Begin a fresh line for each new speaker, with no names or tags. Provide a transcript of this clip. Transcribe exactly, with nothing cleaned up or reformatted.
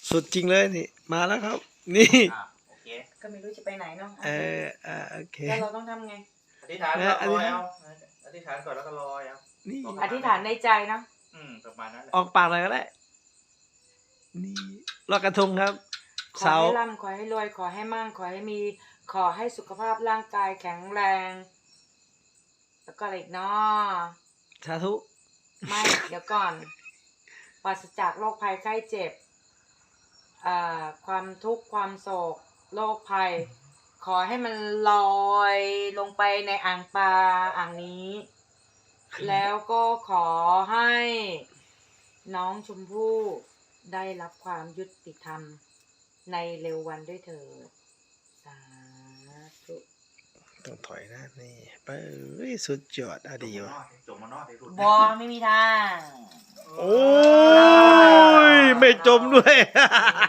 สุดจริงเลยนี่มาแล้วครับ นี่
อ่ะโอเค
ก็ไม่รู้จะไปไหนเนาะ
เอออ่าโอเค
แล้วเราต้องทำไง
อธิษฐานก่อนลอยเอาอธิษฐานก่อนแล้วก็ลอยเอา
นี่
อธิษฐานในใจเนาะ
อืมประมาณนั้นแหละ
ออกปากเลยก็ได้นี่ลอยกระทงครับ
ขอ
เสา
ให้ร่ำขอให้รวยขอให้มั่งขอให้มีขอให้สุขภาพร่างกายแข็งแรง แล้วก็อะไรอีกเนาะ
สาธุ
ไม่ เดี๋ยวก่อนปราศจากโรคภัยไข้เจ็บอ่าความทุกข์ความโศกโรคภัย ขอให้มันลอยลงไปในอ่างปลาอ่างนี้ แล้วก็ขอให้น้องชมพู่ได้รับความยุติธรรมในเร็ววันด้วยเถิดสาธุ
ต้องถอยนะนี่ไปเอ้ยสุดยอดอะดีวะ
จมมานอดในรุ่น
บอไม่มีทาง
โอ้ยไม่จมด้วย